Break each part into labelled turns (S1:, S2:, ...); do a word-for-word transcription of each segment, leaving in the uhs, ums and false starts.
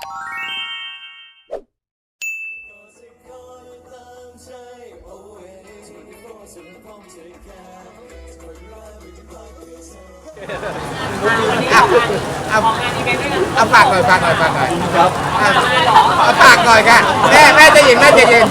S1: เอาเอาฝากหน่อยฝากหน่อยฝากหน่อยครับเอาฝากหน่อยค่ะแม่แม่จะยินแม่จะยิน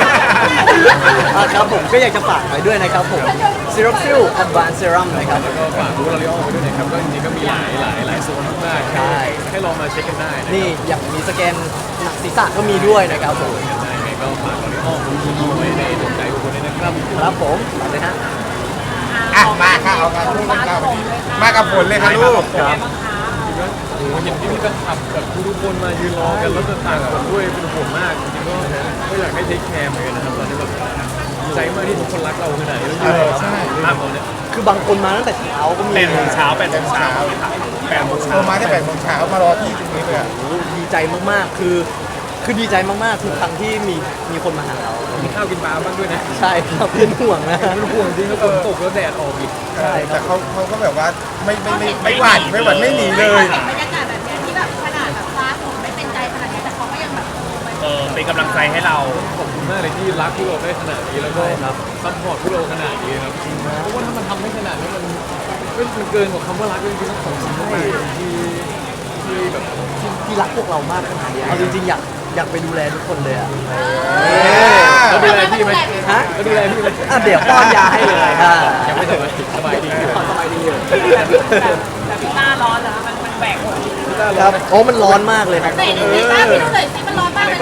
S2: ครับผมก็อยากจะฝากไว้ด้วยนะครับผม Seroxil Advanced Serum นะครับ
S3: แล้วก็ฝากบูธลอรีออลไว้ด้วยนะครับก็จริงๆก็มีหลายหลายหลายโซนมากๆใช่ให้ลองมาเช็คกันได้
S2: นี่อย่างมีสแกนหนังศีรษะก็มีด้วยนะครับผม
S3: ได้ก็ฝากลอรีออลบูธเอาไว้ในดวงใจทุกคนด้วยนะครับ
S2: ครับผมฝากเลยฮะ
S1: อ่ะมาค่ะเอากันลูกเรามากับผลเลยค่ะลูก
S3: ครับโอ้โหเห็นพี่พี่แฟนคลับแบบทุกคนมายืนรอกันแล้วจะต่างคนด้วยเป็นห่วงมากจริงๆก็ก็อยากให้เทคแคร์เหมือนกันนะครับตอนนี้แบบดีใจมากที่ทุกคนรักเราขนาดนี้แล้วยืนใช่มากตอนนี้
S2: คือบางคนมาตั้งแต่เช้าก็มี
S3: แปดโมงเช้าแปดโมงเช้าแปดโมงเช้า
S1: มาได้แปดโมงเช้ามารอที่ตรงนี้เลย
S2: ดีใจมากๆคือคือดีใจมากๆทุกครั้งที่มีมีคนมาหาเรา
S3: มีข้าวกินปลาบ้างด้วยนะ
S2: ใช่ครับเป็นห่วงนะ
S3: เป็นห่วงจริงแล้วฝนตกแล้วแดดออกอีก
S1: ใช่แต่เขาเขาก็แบบว่าไม่ไม่ไม่ไม่หวั่นไม่หวั่นไม่หนีเลย
S4: บรรยากาศแบบนี้ที่แบบขนาดแบบฟ้าฝนไม่เป็นใจขนาดนี้แต่เขาก็ยังแบบ
S3: เออเป็นกำลังใจให้เราขอบคุณมากเลยที่รักพวกเราได้ขนาดนี้แล้วก็ซัพพอร์ตพวกเราขนาดนี้ครับจริงนะเพราะว่าถ้ามันทำไม่ขนาดนี้มันมันเกินกว่าคำว่ารักจริงๆต้องขอบคุณมากที่ที่แบบ
S2: ที่รักพวกเรามากขนาดนี้เอาจริงๆอยากอยากไปดูแลทุกคนเลยอ่ะ
S3: แล้วดูแลพี่ไหม
S2: ฮะ
S3: แล้วดูแลพี่ไหม
S2: เดี๋ยวป้อนยาให้เลยค่ะ
S3: ยังไม่ถึงสบายดีอยู่
S2: สบายดีอยู่
S4: แต่พี่ต้าร้อนนะมันมันแบก
S2: ครับโอ้มันร้อนมากเลยครับ
S4: แต่พี่ต้าพี่ดูเลยสิมันร้อนมากเลย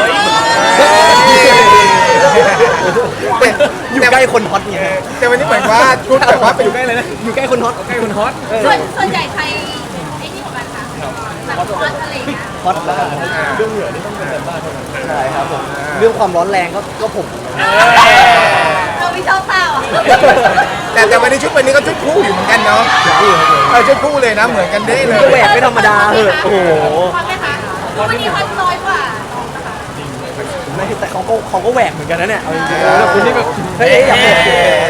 S2: อยู่ใกล้คนฮอตไง
S1: แต่วันนี้เหมือนว่าชุดแบบว่าเป็น
S3: อยู่ใกล้เลยนะ
S2: อยู่ใกล้คนฮอต
S3: ใกล้คนฮอต
S4: ส่วนส่วนใหญ่ใครไอ้นี่ของกันค่ะฮอตฮอตอะไรเงี้ย
S2: ฮอตแล้วกัน
S3: เรื่องเหนือนี่ต้องเป็นแบบบ้านเท่านั้น
S2: ใช่ครับผมเรื่องความร้อนแรงก็ก็ผม
S4: เราไม่ชอบเปล่า
S1: แต่แต่วันนี้ชุดวันนี้ก็ชุดคู่อยู่เหมือนกันเนาะเออชุดคู่เลยนะเหมือนกันได้เลย
S2: ก็แหวกไม่ธรรมดาเหอะโอ้โห
S4: ฮอตไหมคะวันนี้ฮอตน้อยกว่า
S2: ไม่แต่เขาก็เขาก็แหวกเหมือนกันนะเนี่ยเอาจริงๆ
S3: แล้วคุณนี่แบบ
S2: เฮ้ยอย่าบอก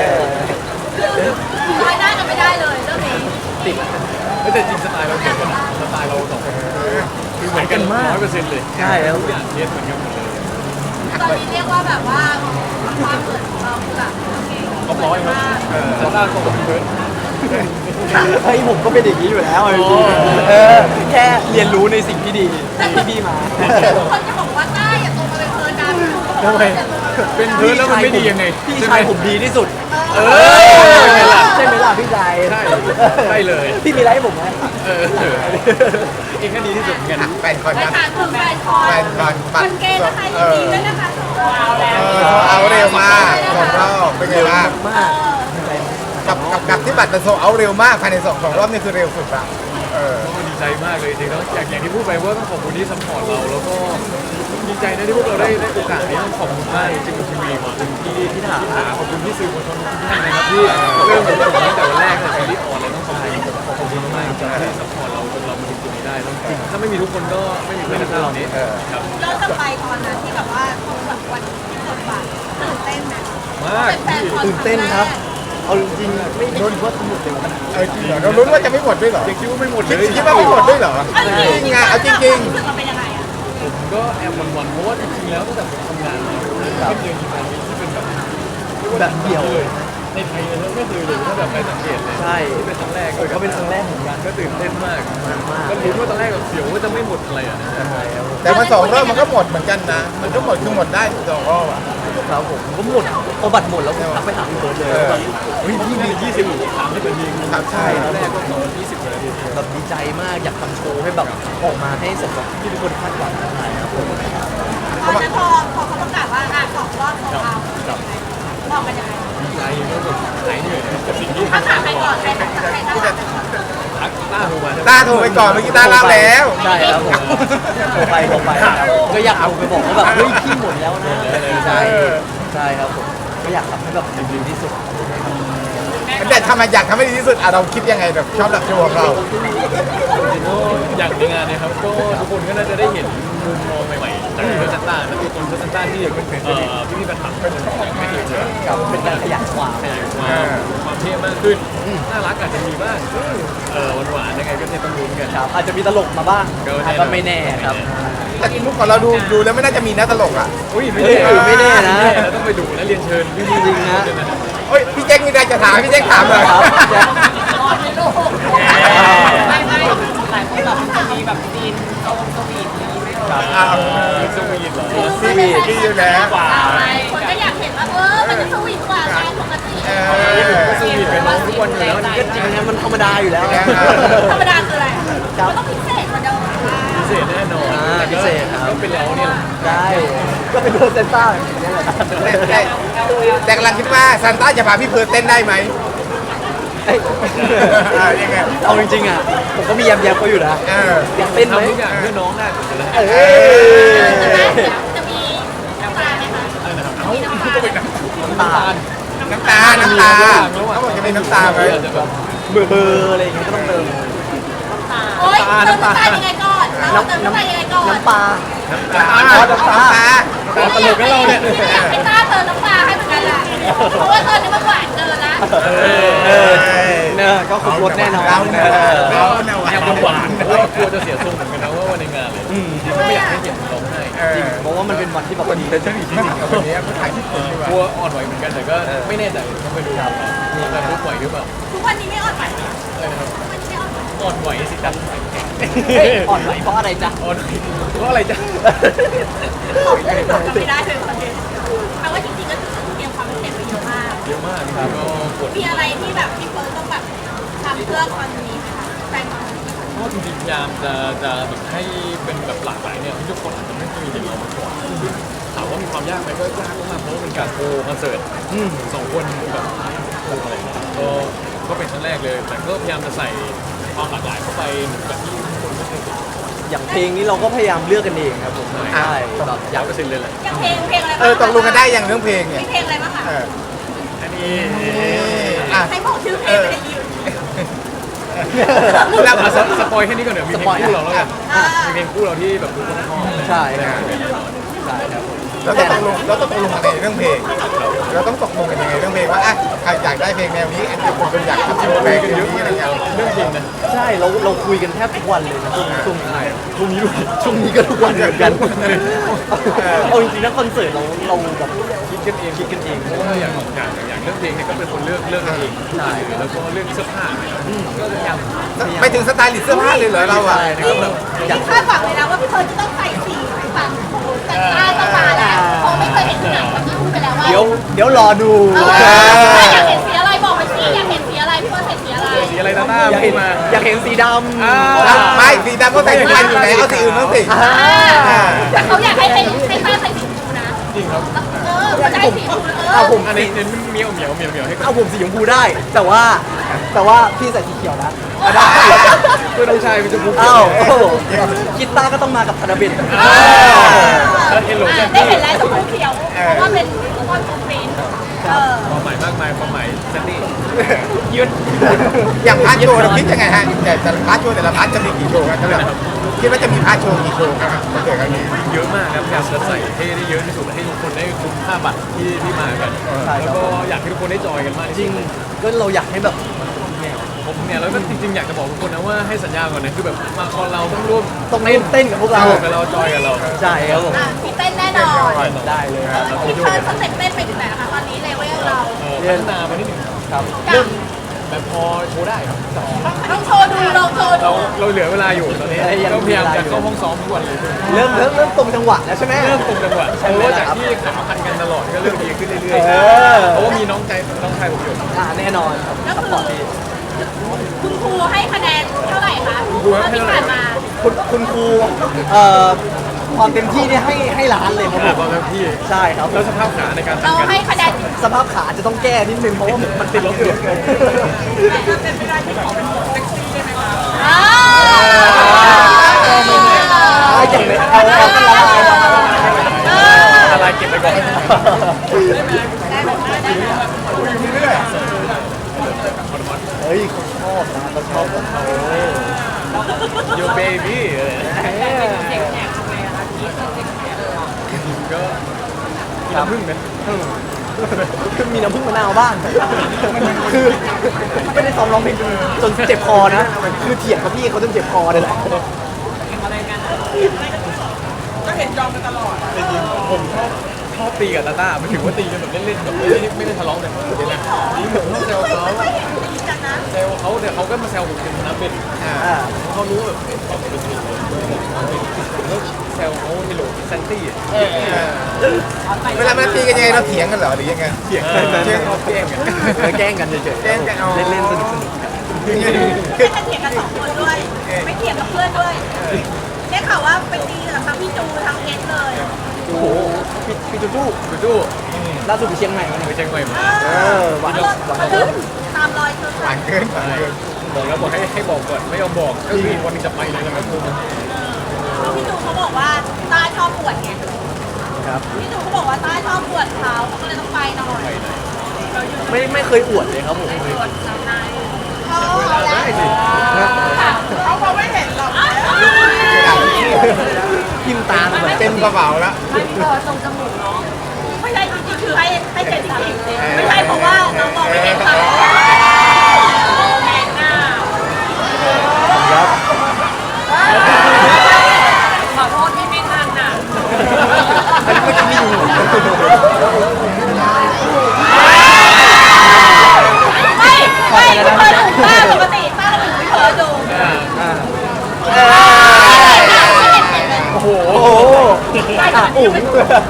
S4: น้อยหน้ากันไม่ได้เลยเรื่องนี้
S2: ติด
S3: แต่จริงสไตล์เราเหมือนกันสไตล์เราสองคนคือเหมือนกันมากร้อยเปอร์เซ็นต์เลย
S2: ใช่แล้ว
S3: ทุกอย่างเทียบเหมือนกันหมดเลย
S4: ตอนนี้เรียกว่าแบบว่าความเหมือนของเราคือแบบโอเค
S3: ครบร้อยครับสไตล์ของผมเพิร์ด
S2: เฮ้ยผมก็เป็นอย่างนี้อยู่แล้วเออแค่เรียนรู้ในสิ่งที่ดีที่พี่มา
S4: ทุกคนจะบอกว่าต้าอย่าโตมาเป็นเพิร์ดนะ
S3: ทำไมเป็นเพิร์ดแล้วมันไม่ดียังไง
S2: พี่ชายผมดีที่สุด
S3: เอ
S2: อใช่ไหมล่ะพี่ชาย
S3: ใช่ใช่เลย
S2: พี่มีอะไรให้ผมไหม
S3: เออเองก็ดีที่สุดเหมือนกัน
S1: แฟนคอนนะ
S4: แฟนคอนแฟนคอนมันเกย์นะคะยินดีด้วยนะคะเอาแล้ว
S1: เอาเร็วมากสองรอบเป็นไงบ้าง
S2: มาก
S1: กับกับกับที่บัตรมันโซเอาเร็วมากภายในสองสองรอบนี่คือเร็วสุดละเออ
S3: ดีใจมากเลยจริงๆแล้วอย่างอย่างที่พูดไปว่าต้องขอบคุณที่ซัพพอร์ตเราแล้วก็ดีใจนะที่พวกเราได้ได้โอกาสนี้ต้องขอบคุณมากจริงๆทีวีขอบคุณที่ที่ถามขอบคุณที่สื่อมวลชนทุกท่านนะครับที่เริ่มจากตั้งแต่วันแรกแต่ซีรีส์ออนเลยต้องขอบคุณขอบคุณมากจริงๆที่ซัพพอร์ตเราจนเรามาถึงจุดนี้ได้แล้วจริงถ้าไม่มีทุกคนก็ไม่มีเพื่อนเรานี้
S4: ครับย้อนกลับไปตอนนั้นที่แบบว่าแบบวันที่กดบัตรตื่นเต้นไหม
S3: มาก
S2: ตื่นเต้นครับเอาจริงๆไม่คิดว่าจะหมดเร็วขนาดนี้
S1: เออจริงเหรอเราลุ้นว่าจะไม่หมดด้วยเหรอ
S3: ยังคิดว่าไม่หมดเลย
S1: คิดว่าไม่หมดด้วยเหรอจริงอ่ะเอาจริงจริง
S3: ผมก็แอบหวั่นๆเพราะว่าจริงๆแล้วตั้งแต่ผมทำงานมาไม่เคยมีงานที่เป็นแบบ
S2: แบบเดี่ยว
S3: เลยในไทยเลยไม่เคยเลยถ้าแบบไปสังเกตเลย
S2: ใช่
S3: เป็นครั้งแรก
S2: ก็เป็นครั้งแรกเหมือนกัน
S3: ก็ตื่นเต้นมากก็รู้ว่าตอนแรกแบบเสียวว่าจะไม่หมดอะไรอ่ะ
S1: แต่มาสองรอบมันก็หมดเหมือนกันนะมันก็หมดคือหมดได้สองรอบอ่ะ
S2: ครับผมก็หมดพอบัตรหมดแล้วผมทักไปถามพี่เบิร์ดเลยแบบ
S3: เฮ้ยพี่มียี่สิบถามให้เป็นยิง
S1: ครับใช่
S3: ตอนแรกก็สองยี่สิบเลย
S2: แบบดีใจมากอยากทำโชว์ให้แบบออกมาให้สมกับที่ทุกคนคาดหวังนะครับผม
S4: ตอนนั้นพอพอเขาประกาศว่าอ่ะสองรอบของเราบอกกันยังไง
S3: ดีใจก็แบบหายเหนื่อยกับสิ่งที่
S4: ทำถามใครก่อนใครถามใครถาม
S3: ต้าโทรมา
S1: ต้าโทรไปก่อนเมื่อกี้ต้าเล่าแล้ว
S2: ใช่ครับผมโทรไปโทรไปก็อยากเอาไปบอกว่าแบบเฮ้ยพี่หมดแล้วนะใช่ใช่ครับผมก็อยากทำให้แบบดีที่สุด
S1: แต่ทำไมอยากทำให้ดีที่สุดอ่ะเราคิดยังไงแบบชอบแบบโชว์ของเรา
S3: จริงๆก็อยากในงานเนี่ยครับก็ทุกคนก็น่าจะได้เห็นมุมมองใหม่ๆจากเพื่อนซันต้าแล้วตัวตนเพื่อนซันต้าที่เอ่อพี่พี่ๆแฟนคลับก็ยังไม่เคยเจอ
S2: กับเป็นการขยายความ
S3: ขยายความความเท่มากขึ้นน่ารักอาจจะมีบ้างเออหวานๆยังไงก็เนี่ยต้องลุ้นกัน
S2: ครับอาจจะมีตลกมาบ้าง
S3: ก็แน่นอน
S2: ก็ไม่แน่ครับ
S1: แต่มุกของเราดูดูแล้วไม่น่าจะมีนะตลกอ่ะ
S3: อุ้ยไม่
S2: เฮ้ย
S3: แน่
S2: ไม่แน่นะ
S3: เราต้องไปดูและเรียนเชิญพี่
S2: จริงๆนะ
S1: เฮ้ยพี่แจ็คมีอะไรจะถามพี่แจ็คถามเลย
S2: ครับแจ็ค
S4: ไม่ไม่หลายคนแบบจะมีแบบซีนโซนสวีทนี้ไม่รู้
S1: อ้าว
S3: สวีทเหรอ
S1: ซีวีดีอยู่แล้ว
S4: อะไรคนก็อยากเห็นว่าเออมันจะสวีทกว่าไงปกติ
S1: เอ
S3: สวีทกับน้องทุกวันอยู่แล้ว
S2: ก็จริงนะมันธรรมดาอยู่แล้ว
S4: ธรรมดาคืออะไรมันต้องพิเศษกว่าเดิม
S3: พิเศษแน่นอน
S2: อ่าพิเศษครับ
S3: ก็เป็นแล้วเนี่ย
S2: ได้ก็เป็นเพื่อนเซนต้าอย่างนี้แหละ
S1: แต่แต่แต่กำลังคิดว่าซานต้าจะพาพี่เพิร์ดเต้นได้ไหม
S2: เอ้ย
S1: อ่ายังไง
S2: เอาจริงๆอ่ะผมก็มีแยมแยมเขาอยู่นะ
S1: เออ
S2: อยากเต้นไหม
S3: ทำทุกอย่างเพื่อน้องได้หมดเลย
S2: เอ้
S1: เอย อ
S4: จะมีน้ำตาไหมคะ
S3: อะไรนะครับ
S4: มีน้ำตา
S3: ก็เป็นน้ำตาล
S1: น้ำตา น้ำตาเขาบอกจะมีน้ำตาไหม
S3: อาจจะแบบ
S2: เบอร์เบอร์อะไรอย่างเงี้ยก็ต้องเติม
S4: โอ๊ยเติมน้ำตายังไงก่อนเราเติมน้ำตายังไงก่อน
S2: น้ำปลา
S1: น้ำตาน้ำตา
S3: ตาตลกกันเราเนี่ย
S4: อยากให้ต้าเติมน้ำตาให้เหมือนกันแหละเพราะว่าตอนนี้มันหวานเกินละ
S2: เออเนี่ยก็ครบรถแน่นอน
S1: เราเนี่ยเราเนี่ย
S3: แอบหวานๆแล้วกลัวจะเสียทรงเหมือนกันนะว่าวันในงานเลย
S2: อืม
S3: จริงๆก็ไม่อยากให้เห็นร้องไห้
S2: จริงเพราะว่ามันเป็นวันที่แบบ
S1: คนเป็นช่างอีกจริงๆวันนี้ผู้ถ่ายที่คนดีกว่าก
S3: ลัวอ่อนไหวเหมือนกันแต่ก็ไม่แน่ใจต้องไปดูครับแต่รู้ไหวหรือเปล่า
S4: ทุกวันนี้ไม่อ่อนไหวเหรอ
S3: อะไรนะครับ
S4: ทุกวันนี้ไม่อ่อนไหว
S3: อ่อนไหวสิครับ
S2: เฮ้ยอ่อนไหวเพราะอะไรจ๊ะ
S3: อ่อนไหวเพราะอะไรจ๊ะ
S4: จำไม่ได้เลยตอนนี้แปลว่าจริงๆก็คือเตรียมความพิเศษไปเยอะมาก
S3: เยอะมากครับก็กด
S4: มีอะไรที่แบบพี่เฟิร์นต้องแบบทำเพื่อคอนนี้ไหมคะแฟนคอนนี้
S3: เพราะจริงๆพยายามจะจะแบบให้เป็นแบบหลากหลายเนี่ยที่ทุกคนอาจจะไม่เคยเห็นเรามาก่อนถามว่ามีความยากไหมก็ยากมากเพราะว่าเป็นการโชว์คอนเสิร์ตสองคนแบบโชว์อะไรเงี้ยก็ก็เป็นครั้งแรกเลย แต่ก็พยายามจะใส่ความหลากหลายเข้าไปแบบที่ทุกคนไม่เคยเห็น
S2: อย่างเพลงนี้เราก็พยายามเลือกกันเองครับผม
S3: ใช่
S2: ใช่แบบอาย
S3: อยาก กเปอร์เซ็นต์เลยแหละ
S4: อย่างเพลงเพลงอะไร
S1: เอ
S4: บ้าง
S1: อตกลงกันได้อย่างเรื่องเพลงเนี่ย
S4: มีเพลงอะไรบ้างคะ
S1: เออ
S3: อันนี้
S1: อ่ะ
S4: ให้บอกชื่อเพลงไม่ได้ยิน
S1: แล้ว
S3: อ่ะสสปอยแค่นี้ก่อนเดี๋ยวมีเพลงคู่เราแล้วกัน
S4: อ่า
S3: มีเพลงคู่เราที่แบบทุกคนชอบ
S2: ใช่
S3: แน่
S2: ครับ
S3: นอนแน่นอน
S2: ใช่ครับผม
S1: เราต้องตกลงเราต้องตกลงกันในเรื่องเพลง เราต้องตกลงกันยังไงเรื่องเพลงว่าอ่ะใครอยากได้เพลงแนวนี้อันนี้คนอยากทำเพลงกันเยอะนี้อะไรเงี้ย
S3: เรื่องเพลงนะ
S2: ใช่เราเราคุยกันแทบทุกวันเลยนะช่วงช่วงนี้ช่วงนี้ด้วยช่วงนี้ก็ทุกวันเหมือนกันเอาจริงๆนะคอนเสิร์ตเราเราแบบ
S3: คิดกันเอง
S2: คิดกันเอง
S3: เพราะว่าอย่างอย่างอย่างเรื่องเพลงเนี่ยก็เป็นคนเลือกเลือกกันเอง
S2: ใช่
S3: แล้วก็เรื่องเสื้อผ้าเนี่ยก็พยายาม
S1: ไปถึงสไตล์ลิสต์เสื้อผ้าเลยเหรอเราอ่ะ
S2: ใช่นะครับแบบอยาก
S4: คาดหวังเลยนะว่าพี่เฟิร์นจะต้องใส่สีฝั่งของแต่ใต้ต้องมาแล้วเพราะไม่เคยเห็นที่ไหนเมื่อกี้พูดไปแล้วว่า
S2: เดี๋ยวเดี๋ยวรอดู
S4: เอออยากเห็นสีอะไรบอกไปสิอยากเห็นสีอะไรพี่เฟิร์นใส่สีอะไร
S3: สีอะไรนะหน้า
S2: อยาก
S3: พู
S2: เห็
S3: ด
S2: น
S3: มา
S2: อยากเห็นสีดำ
S3: อ่า
S1: ไม่สีดำก็ใส่ทุกวันอยู่แล้วเอาสีอื่นบ้างสิ
S2: อ่า
S4: แต่เขาอยากให้เป็นให้ต้าใส่สีชมพูนะ
S3: จริงครับ
S4: เออเขาจะให้สีชมพูเอ
S2: เอา
S4: อ
S2: ผม
S3: อัน
S2: สี
S3: นี้เน้นเหมียวเหมียวเหมียวเหมียวให้กับ
S2: เอาผมสีชมพูได้ แต่ว่าแต่ว่าพี่ใส่สีเขียวนะ
S3: ได้เพื่อนน้องชายเป็นชมพูเขีย
S2: อ้าว
S3: ว
S2: โอ้โหกีตาร์ก็ต้องมากับธนบิน
S3: แล้วเฮลโล
S4: อ่ะ
S3: แจ็ค
S4: ได้เห็นแล้วชมพูเขียวเพราะว่าเป็นฟุตบอลฟูฟรีนเออ
S3: ความหมายมากมายความหมายแซนดี้
S2: ยืด
S1: อย่างพาร์ทโชว์เราคิดยังไงฮะแต่แต่ละพาร์ทโชว์แต่ละพาร์ทจะมีกี่โชว์ครับแบบคิดว่าจะมีพาร์ทโชว์กี่โชว์ครับคอนเสิร์ตครั้งนี้
S3: เยอะมากครับพยายามจะใส่ให้ได้เยอะที่สุดให้ทุกคนได้คุ้มค่าบัตรที่ที่มากันแล้วก็อยากให้ทุกคนได้จอยกันมาก
S2: จ
S3: จ
S2: ริ
S3: ริ
S2: ง
S3: ง
S2: ก็เราอยากให้แบบแนว
S3: ผมเนี่ยแล้วก็จริงๆอยากจะบอกทุกคนนะว่าให้สัญญาก่อนนะคือแบบมาคอนเราต้องร่วม
S2: ต้องเล่นเต้นกับพวกเรา
S3: สนุกกับเราจอยกับเรา
S2: ใช่ครับผม
S4: อ่ะมีเต้นแน่นอน
S2: ได้เลยครับ
S4: พี่เฟิร์นสเต็ปเต้นไปถึงไหนแล้วคะตอนนี้เลเวลเรา
S3: เออพัฒนาไปนิดหนึ่ง
S2: ครับ
S4: ยัง
S3: แบบพอโชว์ได้ครับ
S4: ต้องโชว์ดูลองโชว์
S3: เรา
S4: ดู
S3: เราเหลือเวลาอยู่ตอนนี้ก็พยายามจะเข้าห้องซ้อมทุกวันเลย
S2: เริ่มเริ่มเริ่มตรงจังหวะแล้วใช่ไหม
S3: เริ่มตรงจังหวะ
S2: ใช่
S3: เพ
S2: ไหม
S3: ราะว่า
S2: ล่ะ
S3: จาก
S2: ครับ
S3: ที่ขาพันกันตลอดก็เริ่มดีขึ้นเรื่อย
S2: เออ
S3: ๆเพราะว่ามีน้องใจน้องชายผมอยู่
S2: อ่าแน่นอนครับ
S4: ก็
S2: ซัพ
S4: คื
S2: พอ
S4: อ
S2: ร์ตดี
S4: คุณครูให้คะแนนเท่าไหร่คะที่ผ่านมา
S2: คุณคุณครูเอ่อความเต็มที่เนี่ยให้ให้ล้านเลยครับผ
S3: อ่าม ความเต็มที่
S2: ใช่ครับ
S3: แล้วสภาพขาในการ
S4: เรา
S3: ทำกัน
S4: ให้คะแนน
S2: สภาพขาจะต้องแก้นิดนึงเพราะว่ามันติดลบเยอะเกิน
S4: อ่า
S2: อ่าอย่างไรเอาเอากันละลาย
S4: เออ
S3: อะไรเก็บไปก่อน
S2: เฮ้ยเขาชอบนะเขาชอบของเขา
S3: โยเบบี้อะไรนะ
S2: เออ
S3: น้ำผึ้งไหม
S2: คือมีน้ำผึ้งมะนาวบ้างคือไม่ได้ซ้อมร้องเพลงจนเจ็บคอนะคือเถียงกับพี่เขาจนเจ็บคอเลยแหละ
S4: ก็เห็นจองกันตลอด
S3: จริงๆผมชอบชอบตีกับตาต้าไม่ถึงว่าตีกันแบบเล่นๆแบบไม่ได้ไม่ได้ทะเลาะกันเดี๋ยวนะนี่ผมชอบแซวเขา
S4: ไม่เห็นดีกันนะ
S3: แซวเขาแต่เขาก็มาแซวผมเป็นน้ำเป็น
S1: อ่า
S2: อ่า
S3: เขารู้แบบเอ๊ะตอบเป็นจริงเลยผมก็แซวเขาในโหลดแซนตี้อ่ะ
S1: เออเวลามาตีกันยังไงเราเถียงกันเหรอหรือยังไง
S3: เถียงกันเถียงเขาแกล้งกัน
S2: เออแกล้งกันเฉยๆ
S1: แกล้งกันอ๋อ
S2: เล่นๆสนุก
S1: คือ
S4: ไม่กันเถียงกันสองคนด้วย ไม่เถียงกับเพื่อนด้วยได้ข่าวว่าไปตีกับทั้งพี่จูทั้งเพชรเลย
S2: ๆโอ้โหพี่พี่จูจู
S3: ไปดู
S2: ล่าสุดไปเชียงใหม่มาเนี่ย
S3: ไปเชียงใหม่มา
S2: เออหวาน
S4: รถ
S2: หวาน
S4: มา
S2: เกิ
S4: ขึ้
S2: น
S4: นตามรอยเธอ
S1: หวานเกินหวานเกิน
S3: บอกแล้วบอกให้ให้บอกก่อนไม่ยอมบอกก็คืออีกวันหนึงจะไปเลยแล้วก็พูด
S4: พี่จูเขาบอกว่าต้าชอบปวดไง
S2: ครับ
S4: พี่จูเขาบอกว่าต้าชอบปวดเขาเขาก็เลยต้องไปหน่อย
S3: ไปไหน
S2: ไม่ไม่เคยอวดเลยครับผม
S4: ปวดสามนายเขาเอาแล้วเขาคงไม่เห็นหรอก
S2: พิมพ์ตามแบบ
S1: เต็มกระเป๋าแล้ว
S4: ไม่มีเธอตรงจมูกเนาะไม่ใช่จริงๆคือให้ให้เป็นจริงๆไม่ใช่เพราะว่าเรามองไม่เห็นเขาแมงหน้า
S2: ครับ
S4: ขอโทษที่ไม่ทันน่ะ
S2: อันนี้เมื่อกี้มีอยู่
S4: ไม่ไม่เคยดูป้าปกติป้าเราไม่เคยดู
S2: อ่า
S3: โอ้โห
S2: โอ้โหอ่ะอุ๋ง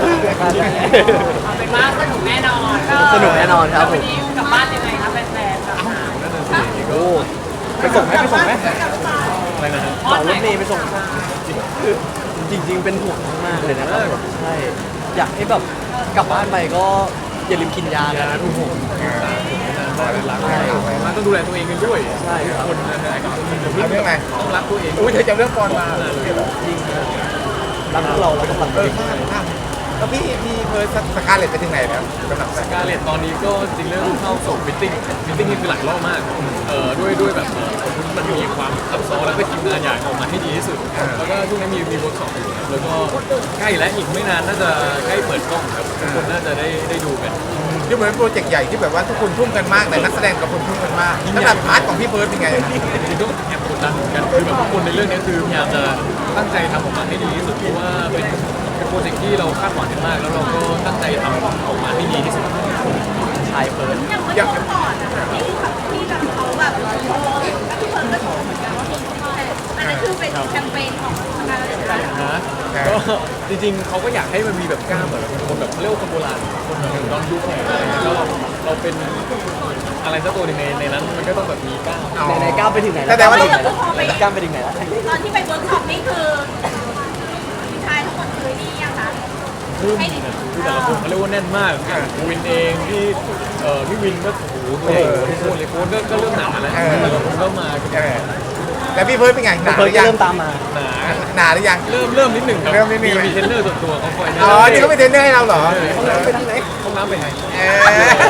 S4: เป็นว่าสนุกแน่นอน
S2: สนุกแน่นอนครับผม
S4: กลับบ้านยังไงครับแฟนๆ
S2: โอ้ไปส่งไหมไปส่งไหม
S3: อะไรนะฮะ
S2: ต่อรถเมย์ไปส่งคือจริง ๆ เป็นห่วงมากๆเลยนะครับแบบใช่อยากให้แบบกลับบ้านไปก็อย่าลืมกินยา
S3: อย่า
S2: นะ
S3: ทุกคนรักมันต้องดูแลตัวเองกันด้วย
S2: ใช่ครับ
S3: คนนะฮะ
S1: เอาเรื่องอะไร
S3: ต้องรักตัวเอง
S1: อุ้ยเธอจะเรื่องปอนมา
S2: จริงนะรักพวกเราแล้วก็รัก
S1: เอ
S2: ตัว
S1: อ
S2: เอง
S1: ข้ามแล้วพี่พี่เพิร์สสกาเลตไปถึงไหนแล้วสำหรับ
S3: สกาเลตตอนนี้ก็จริงเริ่มเข้าสู่มิทติ้งมิทติ้งนี่คือหลายรอบมากเอ่อด้วยด้วยแบบเอ่อมันมีความซับซ้อนแล้วก็ทีมงานอยากออกมาให้ดีที่สุด แล้วก็ช่วงนี้มีมีเวิร์กช็อปอยู่แล้วก็ใกล้และอีกไม่นานน่าจะใกล้เปิดกล้องครับทุกคนน่าจะได้ได้ดูกัน
S1: ที่เหมือนโปรเจกต์ใหญ่ที่แบบว่าทุกคนทุ่มกันมากแต่นักแสดงกับคนทุ่มกันมากสำหรับพาร์ทของพี่เพิร์สเป็นไง
S3: จริงๆก็แอบกดดันเหมือนกันคือแบบทุกคนในเรื่องนี้คือพยายามจะตั้งใจทำออกมาให้ดีที่สุดเพราะว่าเป็นเป็นโปรเจกต์ที่เราคาดหวังกันมาก แล้วเราก็ตั้งใจทำออกมาให้ดีที่สุด
S2: ชายเฟิร์น
S4: อย่างเมื่อก่อนนะคะที่แบบที่แบบเขาแบบโชว์แล้วพี่เพิร์นก็โชว์เหมือนกันว่ามีคนแทนอันนั้นคือเป็นแคมเปญของทางการอะไรนะ
S3: นะก็จริงๆเขาก็อยากให้มันมีแบบกล้ามแบบคนแบบเขาเรียกว่าคนโบราณคนแบบย้อนยุคหน่อยอะไรอย่างเงี้ยแล้วเราเราเป็นอะไรสักตัวหนึงในในนั้นมันก็ต้องแบบมีกล้าม
S2: ในในก้าวไปถึงไหน
S1: แต่แต่ว่า
S2: ก้าวไปถึงไหนแล้ว
S4: ตอนที่ไปเวิร์กช็อปนี่คือผู้ชายทั้งหมดคือนี่ยังคะ
S3: คือแต่ละคนเขาเรียกว่าแน่นมากอย่างวินเองที่เอ่อพี่วินก็โอ้โหตัวใหญ่ทุกคนเลยโค้ชก็ก็เริ่มหนาแล้วแต่ละคนก็มากัน
S1: เออแล้วพี่เพิร์สเป็นไงหนาห
S2: เฟิร์
S1: รื
S2: น
S1: อ
S2: ก็
S1: ยัง
S2: เริ่มตามมา
S3: หนา
S1: หนาหรือยัง
S3: เริ่มเริ่มนิดหนึ่งครับ
S1: เริ่มนิดหนึ่ง
S3: มีเทรนเนอร์ส่วนตัวเขาคอยแนะ
S1: อ๋
S3: นำ
S1: อนี่เขาเป็นเทรนเนอร์ให้เราเหรอ
S2: ไปทางไหน
S3: ห้องน้ำไปไหน
S1: เออ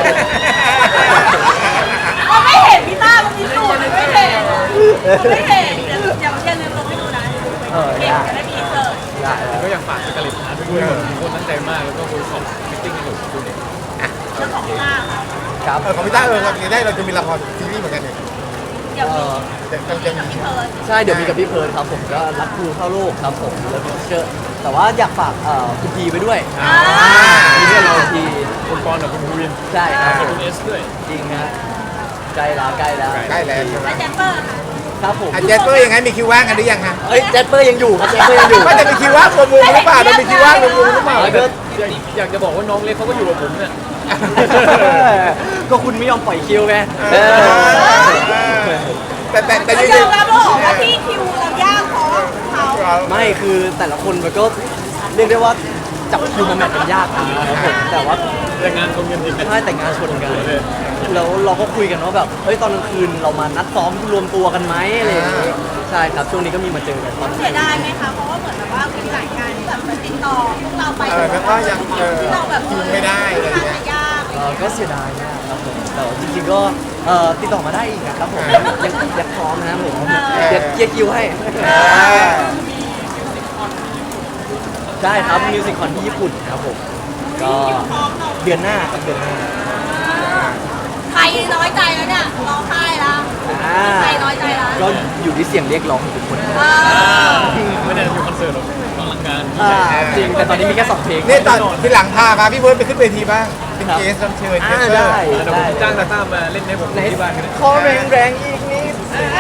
S4: เราไม่เห็นพี่ต้ามันมีสูตรมันไม่เห็นมันไม่เห็นอย่าอย่าอย่าลืมลงให้ดูนะ
S2: เออ
S4: เก่ง
S2: ได้
S4: จะได้มีเสิร์ช
S2: ได้
S3: ก็อยากฝากสกาเลตอาร์ตด้วยทุกคนตั้งใจมากแล้วก็คุยขอบมิทติ้งกันอยู่ดูเนี่ย
S4: เรื่องของพี่ต้าค่ะ
S2: ครับ
S1: เออของพี่ต้าเออเราจะได้เราจะมีละครซีรีส์เหมือนกันเนี่ย
S4: เดี๋ยว
S2: เอ
S4: มี
S2: อ
S1: จะจะจะ
S4: กับ
S1: มี
S4: พี่เพิร์น
S2: ใช่เดี๋ยวมีกับพี่เพิร์นครับผมก็รักครูเข้าโลกครับผมแล้วก็เจอแต่ว่าอยากฝากเอ่อคุณทีไปด้วย
S4: อ่า
S2: มีเรื่องเราที
S3: คุณปอนกับคุณวิน
S2: ใช่ครับ
S3: กับคุณเอสด้วย
S2: จริงฮะใกล้แล้วใกล้แล้ว
S1: ใกล้แล้วใช่ไหม
S4: และแจมเปอร์ค่ะ
S2: ครับผม
S1: อ่ะเจสเปอร์ยังไงมีคิวว่างกันหรือยังฮะ
S2: เอ้ยเจสเปอร์ยังอยู่ครับเจสเปอร์ยังอยู่
S1: ว่าจะมีคิวว่างรวมวงหรือเปล่าจะมีคิวว่างรวมวงหรือเปล่า
S2: แล้วก็
S3: อยากอยากจะบอกว่าน้องเล็กเขาก็อยู่กับผมเนี่ย
S2: ก็คุณไม่ยอมปล่อยคิวไง
S1: เออแต่แต่แต่
S4: เรา
S1: ยัง
S4: ยอมรับว่าว่าที่คิวเรายากเพราะเขา
S2: ไม่คือแต่ละคนมันก็เรียกได้ว่าจับคิวมาแมทกันยากนะครับผมแต่ว่า
S3: แต่งานตรงกันอีก
S2: ใช่แต่งงานชนกันแล้วเราก็คุยกันว่าแบบเฮ้ยตอนกลางคืนเรามานัดซ้อมรวมตัวกันไหมอะไรอย่างเงี้ยใช่ครับช่วงนี้ก็มีมาเจอกันตอน
S4: เสียดายไหมคะเพราะว่าเหมือนแบบว่ามีหลายการที่แบบติดต่อพวกเราไป
S1: เออแล้วก็ยังเออ
S4: ที่เราแบบ
S1: คิวไม่ได้อะไร
S4: ค่อน
S1: เงี้
S4: ข้าย จะยาก
S2: เอ่อก็เสียดายมากครับผมแต่ว่าจริงๆก็เอ่อติดต่อมาได้อีกนะครับผมยังยังพร้อมนะครับผมเดี๋ยวเคลียร์คิวให้
S1: เออ
S2: ได้ครับมิวสิคคอนที่ญี่ปุ่นครับผมก็เดือนหน้าครับเดือนหน้า
S4: ใครน้อยใจแล้วเนี่ยร้องไห้แล้ว
S2: อ่า
S4: ใครน้อยใจแล้ว
S2: ก็อยู่ที่เสียงเรียกร้องของทุกคน
S4: เออ
S3: ไม่ได้มีคอนเสิร์ตหรอกอลังการ
S2: อ่าจริงแต่ตอนนี้มีแค่สองเพลง
S1: นี่ตอนที่หลังพามาพี่เบิร์ดไปขึ้นเวทีบ้างเป็นเกสรับเชิญเก
S2: อ่า
S1: สเตอร์
S2: ได้
S3: เดี๋ยวผมจ้างตาต้ามาเล่นให้ผม
S2: ไหน
S3: ที่บ้านกันนะ
S2: ขอแรงแรงๆอีกนิด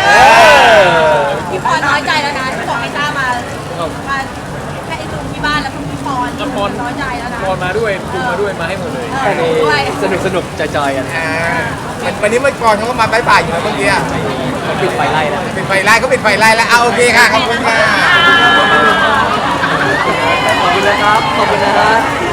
S4: พี่พรน้อยใจแล้วนะที่บอกให้ต้ามามาแค่ไอ้ตูนที่บ้านแล้วคุณพี่พรน้อยใจแล้วนะ
S3: พรมาด้วยดูมาด้วยมาให้หมดเลย
S2: แค่นี้สนุกสนุกๆจอยๆกัน
S1: อ่าวันนี้เมื่อก่อนเขาก็มาบ่ายๆอยู่นะเมื่อกี้
S2: มันปิดไฟไล่แล้ว
S1: ปิดไฟไล่เขาปิดไฟไล่แล้วเอาโอเคค่ะขอบคุณค่ะ
S2: ขอบคุณนะครับ ขอบคุณนะฮะ